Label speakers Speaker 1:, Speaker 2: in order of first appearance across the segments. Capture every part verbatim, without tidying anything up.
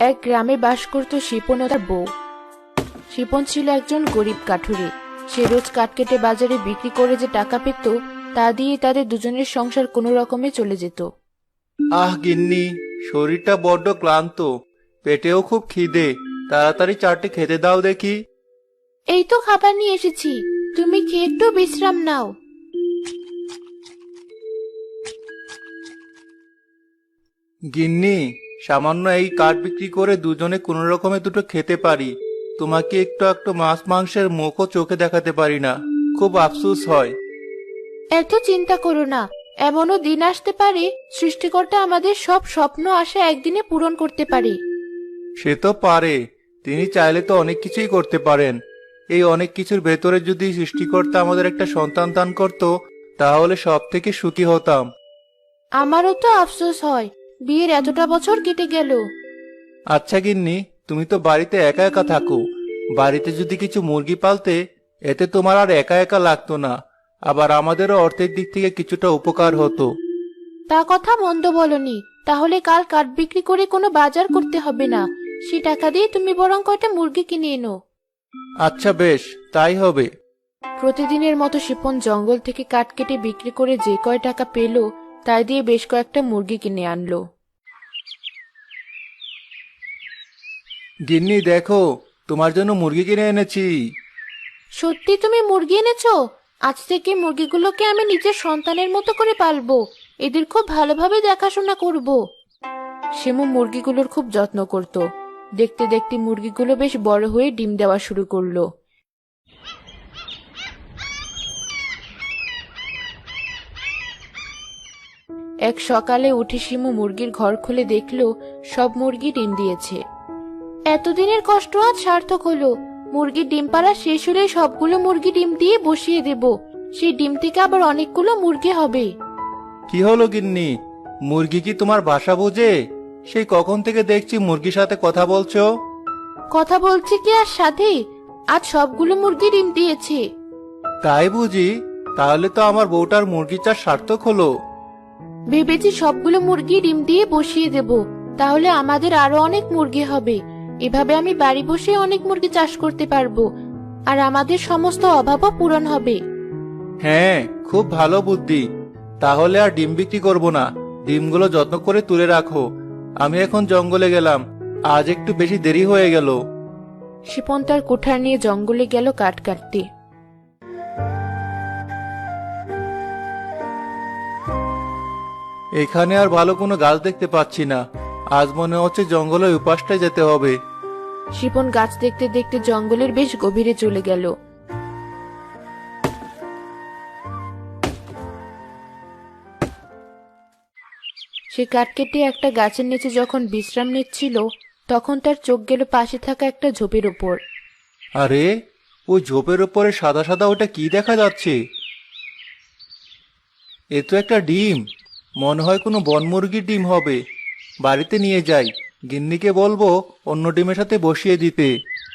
Speaker 1: এক গ্রামে বাস করত শিপন ও তার বউ। শিপন ছিল একজন গরিব কাঠুরে। সে রোজ কাঠ কেটে বাজারে বিক্রি করে যে টাকা পেত তা দিয়ে তাদের দুজনের সংসার কোনো রকমে চলে যেত।
Speaker 2: আহ গিন্নি, শরীরটা বড্ড ক্লান্ত, পেটেও খুব খিদে, তাড়াতাড়ি চারটে খেতে দাও দেখি।
Speaker 1: এই তো খাবার নিয়ে এসেছি, তুমি খেয়ে একটু বিশ্রাম নাও।
Speaker 2: গিন্নি, সামান্য এই কাঠ বিক্রি করে দুজনে কোনো রকমে দুটো খেতে পারি, তোমাকে একটু একটু মাছ মাংসের মুখও চোখে দেখাতে পারি না, খুব আফসোস হয়।
Speaker 1: এত চিন্তা করো না, এমনও দিন আসতে পারে সৃষ্টিকর্তা আমাদের সব স্বপ্ন আশা একদিনে পূরণ করতে পারে।
Speaker 2: সে তো পারে, তিনি চাইলে তো অনেক কিছুই করতে পারেন। এই অনেক কিছুর ভেতরে যদি সৃষ্টিকর্তা আমাদের একটা সন্তান দান করত, তাহলে সব থেকে সুখী হতাম।
Speaker 1: আমারও তো আফসোস হয়, বিয়ের এতটা বছর কেটে গেল।
Speaker 2: আচ্ছা গিন্নি, তুমি তো বাড়িতে একা একা থাকো, বাড়িতে যদি কিছু মুরগি পালতে, এতে তোমার আর একা একা লাগতো না, আবার আমাদেরও অর্থের দিক থেকে কিছুটা উপকার হতো।
Speaker 1: তা কথা মন্দ বলনি, তাহলে কাল কাঠ বিক্রি করে কোনো বাজার করতে হবে না, সে টাকা দিয়ে তুমি বরং কয়টা মুরগি কিনে এনো।
Speaker 2: আচ্ছা বেশ, তাই হবে।
Speaker 1: প্রতিদিনের মতো শিপন জঙ্গল থেকে কাঠ কেটে বিক্রি করে যে কয় টাকা পেল তাই দিয়ে বেশ কয়েকটা মুরগি কিনে আনলো।
Speaker 2: গিন্নি দেখো, তোমার জন্য মুরগি কিনে এনেছি।
Speaker 1: সত্যি তুমি মুরগি এনেছো? আজ থেকে মুরগিগুলোকে আমি নিজের সন্তানের মতো করে পালবো, এদের খুব ভালোভাবে দেখাশোনা করব। শিমু মুরগিগুলোর খুব যত্ন করত। দেখতে দেখতে মুরগিগুলো বেশ বড় হয়ে ডিম দেওয়া শুরু করলো। এক সকালে উঠে শিমু মুরগির ঘর খুলে দেখলো সব মুরগি ডিম দিয়েছে। এতদিনের কষ্ট আজ সার্থক হলো, মুরগির ডিম পাড়া শেষ হলে সবগুলো মুরগি ডিম দিয়ে বসিয়ে দেব, সেই ডিম থেকে আবার অনেকগুলো মুরগি হবে।
Speaker 2: কি হলো গিন্নি, মুরগি কি তোমার ভাষা বোঝে? সেই কখন থেকে দেখছি মুরগির সাথে কথা বলছো।
Speaker 1: কথা বলছি কি আর সাথে, আজ সবগুলো মুরগি ডিম দিয়েছে।
Speaker 2: তাই বুঝি? তাহলে তো আমার বউটার মুরগি চাষ সার্থক হলো।
Speaker 1: ভেবেছি সবগুলো মুরগি ডিম দিয়ে বসিয়ে দেব, তাহলে আমাদের আরো অনেক মুরগি হবে। এভাবে আমি বাড়ি বসে অনেক মুরগি চাষ করতে পারবো, আর আমাদের সমস্ত অভাবও পূরণ হবে।
Speaker 2: হ্যাঁ, খুব ভালো বুদ্ধি। তাহলে আর ডিম বিক্রি করবো না, ডিমগুলো যত্ন করে তুলে রাখো। আমি এখন জঙ্গলে গেলাম, আজ একটু বেশি দেরি হয়ে গেল।
Speaker 1: শিপন তার কুঠার নিয়ে জঙ্গলে গেল কাঠ কাটতে।
Speaker 2: এখানে আর ভালো কোনো গাছ দেখতে পাচ্ছি না, আজ মনে হচ্ছে জঙ্গলের উপাসটায় যেতে হবে।
Speaker 1: শিপন গাছ দেখতে দেখতে জঙ্গলের বেশ গভীরে চলে গেল। সে কাঠ কেটে একটা গাছের নিচে যখন বিশ্রাম নিচ্ছিল তখন তার চোখ গেল পাশে থাকা একটা ঝোপের উপর।
Speaker 2: আরে, ওই ঝোপের উপরে সাদা সাদা ওটা কি দেখা যাচ্ছে? এ তো একটা ডিম, মনে হয় কোনো বনমুরগির ডিম হবে। বাড়িতে নিয়ে যাই, গিন্নিকে বলবো অন্য ডিমের সাথে বসিয়ে দিতে।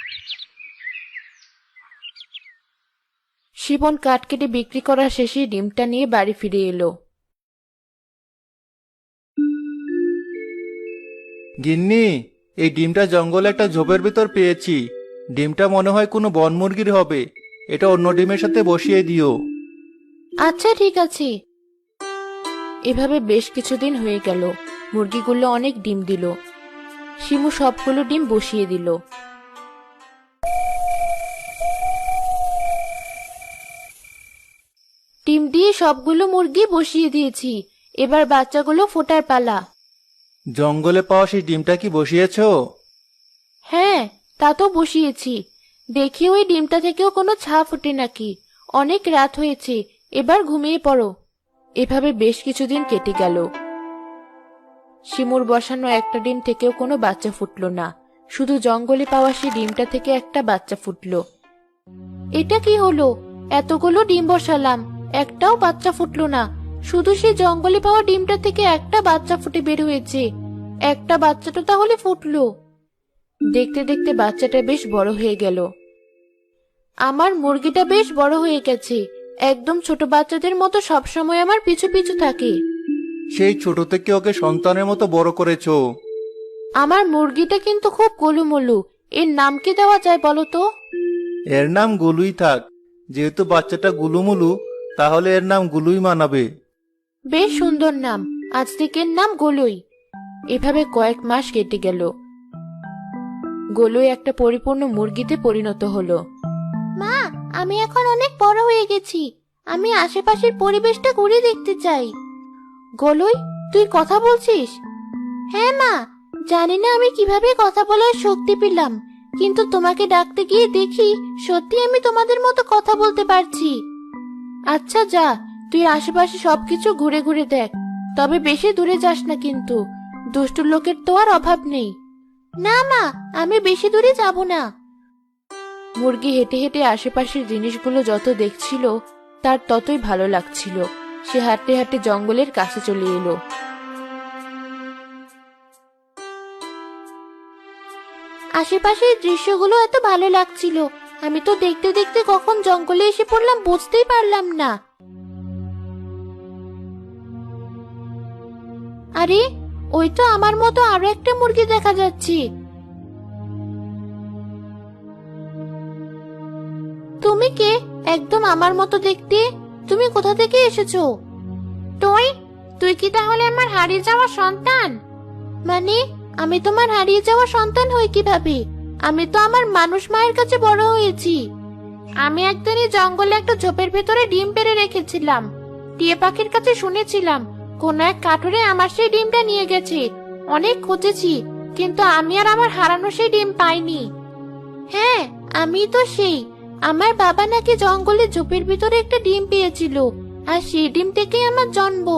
Speaker 1: শিপন কাঠ কেটে বিক্রি করা শেষে ডিমটা নিয়ে বাড়ি ফিরে এলো।
Speaker 2: গিন্নি, এই ডিমটা জঙ্গলে একটা ঝোপের ভিতর পেয়েছি। ডিমটা মনে হয় কোনো বনমুরগির হবে, এটা অন্য ডিমের সাথে বসিয়ে দিও।
Speaker 1: আচ্ছা ঠিক আছে। এভাবে বেশ কিছুদিন হয়ে গেল, মুরগিগুলো অনেক ডিম দিল। শিমু সবগুলো ডিম বসিয়ে দিল। ডিম দিয়ে সবগুলো মুরগি বসিয়ে দিয়েছি, এবার বাচ্চাগুলো ফোটার পালা।
Speaker 2: জঙ্গলে পাওয়া সেই ডিমটা কি বসিয়েছো?
Speaker 1: হ্যাঁ, তা তো বসিয়েছি। দেখি ওই ডিমটা থেকেও কোনো ছা ফুটে নাকি। অনেক রাত হয়েছে, এবার ঘুমিয়ে পড়ো। এভাবে বেশ কিছুদিন কেটে গেল। শিমুর বসানো একটা ডিম থেকেও কোনো বাচ্চা ফুটলো না, শুধু জঙ্গলে পাওয়া সেই ডিমটা থেকে একটা বাচ্চা ফুটলো। এটা কি হলো? এতগুলো ডিম বসালাম, একটাও বাচ্চা ফুটলো না, শুধু সেই জঙ্গলে পাওয়া ডিমটা থেকে একটা বাচ্চা ফুটে বের হয়েছে। একটা বাচ্চাটা তাহলে ফুটলো। দেখতে দেখতে বাচ্চাটা বেশ বড় হয়ে গেল। আমার মুরগিটা বেশ বড় হয়ে গেছে, একদম ছোট বাচ্চাদের মতো সবসময় আমার পিছু পিছু থাকে।
Speaker 2: সেই ছোট থেকে ওকে সন্তানের মতো বড় করেছো।
Speaker 1: আমার মুরগিটা কিন্তু খুব গোলুমলু, এর নাম কি দেওয়া যায় বলো তো?
Speaker 2: এর নাম গুলুই থাক। যেহেতু বাচ্চাটা গুলুমুলু, তাহলে এর নাম গুলুই মানাবে।
Speaker 1: বেশ সুন্দর নাম, আজ থেকে এর নাম গোলুই। এভাবে কয়েক মাস কেটে গেল। গোলুই একটা পরিপূর্ণ মুরগিতে পরিণত হলো। মা, আমি এখন অনেক বড় হয়ে গেছি, আমি আশেপাশের পরিবেশটা ঘুরে দেখতে চাই। গোলুই, তুই কথা বলছিস? হ্যাঁ মা, জানি না আমি কিভাবে কথা বলার শক্তি পেলাম, কিন্তু তোমাকে ডাকতে গিয়ে দেখি সত্যি আমি তোমাদের মতো কথা বলতে পারছি। আচ্ছা যা, তুই আশেপাশে সবকিছু ঘুরে ঘুরে দেখ, তবে বেশি দূরে যাস না কিন্তু, দুষ্টু লোকের তো আর অভাব নেই। না মা, আমি বেশি দূরে যাব না। মুরগি হেঁটে হেঁটে আশেপাশের জিনিসগুলো যত দেখছিল তার ততই ভালো লাগছিল। সে হাঁটতে হাঁটতে জঙ্গলের কাছে চলে এলো। আশেপাশের দৃশ্যগুলো এত ভালো লাগছিল, আমি তো দেখতে দেখতে কখন জঙ্গলে এসে পড়লাম বুঝতেই পারলাম না। আরে, ওই তো আমার মতো আরো একটা মুরগি দেখা যাচ্ছে। তুমি কে? একদম আমার মতো দেখতে। তুমি কোথা থেকে এসেছো? তুই তুই কি তাহলে আমার হারিয়ে যাওয়া সন্তান? মানে, আমি তোমার হারিয়ে যাওয়া সন্তান হই কিভাবে? আমি তো আমার মানুষ মায়ের কাছে বড় হয়েছি। আমি একদিন এই জঙ্গলে একটা ঝোপের ভেতরে ডিম পেড়ে রেখেছিলাম। টিয়া পাখির কাছে শুনেছিলাম কোন এক কাঠুরে আমার সেই ডিমটা নিয়ে গেছে। অনেক খুঁজেছি, কিন্তু আমি আর আমার হারানো সেই ডিম পাইনি। হ্যাঁ, আমি তো সেই। আমার বাবা নাকি জঙ্গলে ঝোপের ভিতরে একটা ডিম পেয়েছিল, আর সেই ডিম থেকেই আমার জন্ম।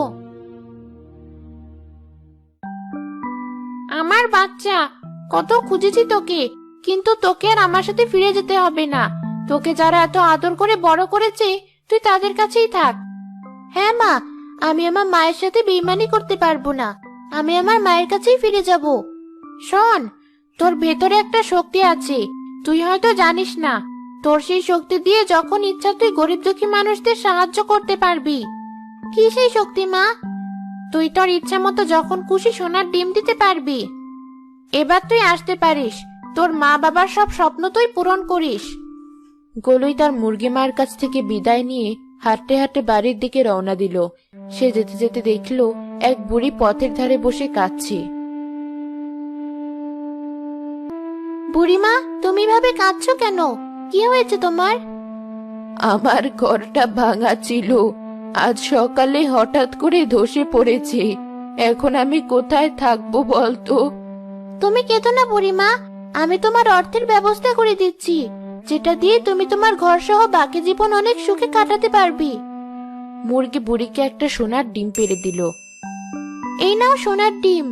Speaker 1: আমার বাচ্চা, কত খুঁজেছি তোকে, কিন্তু তোকে আর আমার সাথে ফিরে যেতে হবে না। তোকে যারা এত আদর করে বড় করেছে, তুই তাদের কাছেই থাক। হ্যাঁ মা, আমি আমার মায়ের সাথে বেইমানি করতে পারবো না। আমি আমার মায়ের কাছেই ফিরে যাব। শোন, তোর ভেতরে একটা শক্তি আছে, তুই হয়তো জানিস না। তোর সেই শক্তি দিয়ে যখন ইচ্ছা তুই গরিব দুঃখী মানুষদের সাহায্য করতে পারবি। কি সেই শক্তি মা? তুই তোর ইচ্ছা মতো যখন খুশি সোনার ডিম দিতে পারবি। এবার তুই আসতে পারিস, তোর মা বাবার সব স্বপ্ন তুই পূরণ করিস। গোলুই তার মুরগি মার কাছ থেকে বিদায় নিয়ে হাঁটতে হাঁটতে বাড়ির দিকে রওনা দিল। সে যেতে যেতে দেখলো এক বুড়ি পথের ধারে বসে কাঁদছে। বুড়িমা, তুমি ভাবে কাঁদছো কেন? কি হয়েছে তোমার? আমার ঘরটা ভাঙা ছিল, আজ সকালে হঠাৎ করে ধসে পড়েছে। এখন আমি কোথায় থাকবো বলতো? তুমি কেঁদো না বুড়িমা, আমি তোমার অর্থের ব্যবস্থা করে দিচ্ছি, যেটা দিয়ে তুমি তোমার ঘর সহ বাকি জীবন অনেক সুখে কাটাতে পারবি। মুরগি বুড়িকে একটা সোনার ডিম পেড়ে দিল। এই নাও সোনার ডিম।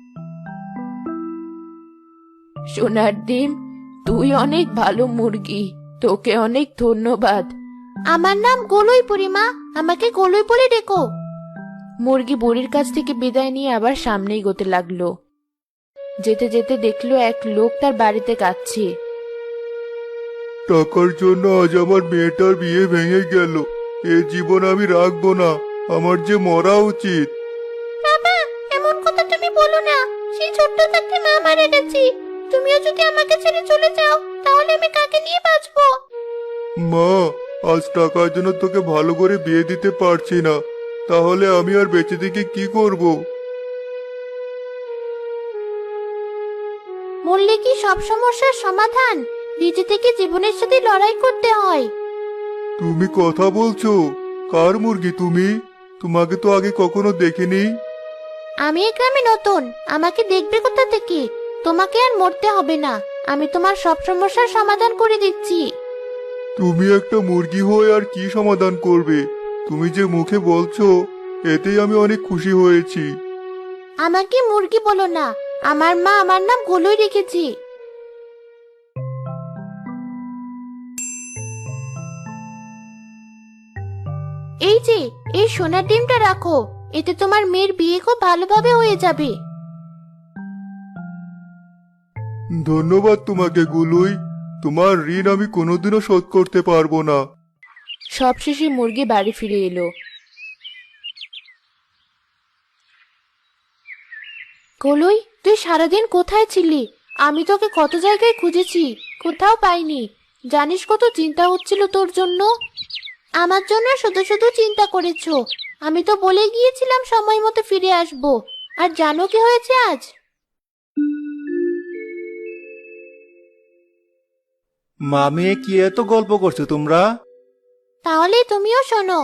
Speaker 1: সোনার ডিম, তুই অনেক ভালো মুরগি, তোকে অনেক ধন্যবাদ। আমার নাম গোলুই বুড়িমা, আমাকে গোলুই বলে ডেকো। মুরগি বুড়ির কাছ থেকে বিদায় নিয়ে আবার সামনেই এগোতে লাগলো। যেতে যেতে দেখলো এক লোক তার বাড়িতে কাঁদছে।
Speaker 2: টাকার জন্য আজ আমার মেয়েটার বিয়ে ভেঙে গেল। এ জীবন আমি রাখবো না, আমার যে মরা উচিত।
Speaker 1: বাবা, এমন কথা তুমি বলো না, সেই ছোট্ট থাকতে মা মারা গেছে। তুমিও যদি আমাকে ছেড়ে চলে যাও, তাহলে আমি কাকে নিয়ে বাঁচবো?
Speaker 2: মা, আজ টাকার জন্য তোকে ভালো করে বিয়ে দিতে পারছি না, তাহলে আমি আর বেঁচে থেকে কি করব?
Speaker 1: মরলে কি সব সমস্যার সমাধান? নিজে থেকে জীবনের সাথে লড়াই করতে হয়।
Speaker 2: তুমি কথা বলছো? কার মুরগি তুমি? তোমাকে তো আগে কখনো দেখিনি।
Speaker 1: আমি এই গ্রামে নতুন, আমাকে দেখবে কোথা থেকে? তোমাকে আর মরতে হবে না, আমি তোমার সব সমস্যার সমাধান করে দিচ্ছি।
Speaker 2: তুমি একটা মুরগি হয়ে আর কি সমাধান করবে? তুমি যে মুখে বলছো, এতেই আমি অনেক খুশি হয়েছি।
Speaker 1: আমাকে মুরগি বলো না, আমার মা আমার নাম গোলুই রেখেছি। এই যে, এই সোনার ডিমটা রাখো, এতে তোমার মেয়ের বিয়ে খুব ভালোভাবে হয়ে যাবে।
Speaker 2: ধন্যবাদ তোমাকে গুলুই, তোমার ঋণ আমি কোনোদিনও শোধ করতে পারবো না।
Speaker 1: সবশেষে মুরগি বাড়ি ফিরে এলো। কলুই, তুই সারাদিন কোথায় ছিলি? আমি তোকে কত জায়গায় খুঁজেছি, কোথাও পাইনি। জানিস কত চিন্তা হচ্ছিল তোর জন্য। আমার জন্য শুধু শুধু চিন্তা করেছো? আমি তো বলে গিয়েছিলাম সময় মতো ফিরে আসবো। আর জানো কি হয়েছে আজ?
Speaker 2: মা মেয়ে কি এত গল্প করছো তোমরা?
Speaker 1: তাহলে তুমিও শোনো।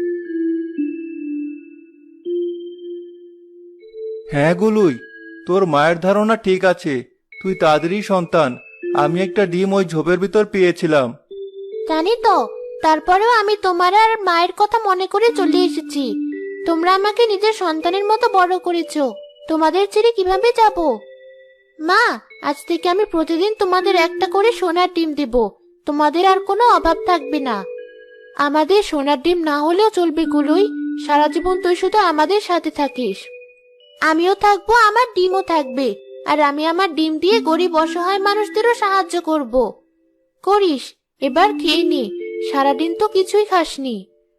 Speaker 2: হ্যাঁ গুলুই, তোর মায়ের ধারণা ঠিক আছে, তুই তাদেরই সন্তান। আমি একটা ডিম ওই ঝোপের ভিতর পেয়েছিলাম।
Speaker 1: জানি তো, তারপরেও আমি তোমার আর মায়ের কথা মনে করে চলে এসেছি। তোমরা আমাকে নিজের সন্তানের মতো বড় করেছো, তোমাদের ছেড়ে কিভাবে যাব? মা, আজ থেকে আমি প্রতিদিন তোমাদের একটা করে সোনার ডিম দেব। তোমাদের আর কোনো অভাব থাকবে না। আমাদের সোনার ডিম না হলেও চলবে গুলোই, সারা জীবন তুই শুধু আমাদের সাথে থাকিস। আমিও থাকবো, আমার ডিমও থাকবে। আর আমি আমার ডিম দিয়ে গরিব অসহায় মানুষদেরও সাহায্য করব। করিস, এবার খেয়ে নে, সারাদিন তো কিছুই খাসনি।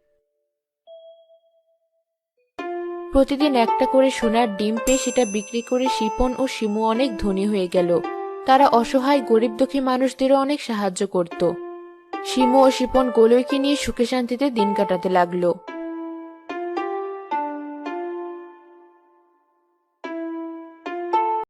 Speaker 1: প্রতিদিন একটা করে সোনার ডিম পেয়ে সেটা বিক্রি করে শিপন ও শিমু অনেক ধনী হয়ে গেল। তারা অসহায় গরিব দুঃখী মানুষদেরও অনেক সাহায্য করত। শিমু ও শিপন গোলইকে নিয়ে সুখে শান্তিতে দিন কাটাতে লাগলো।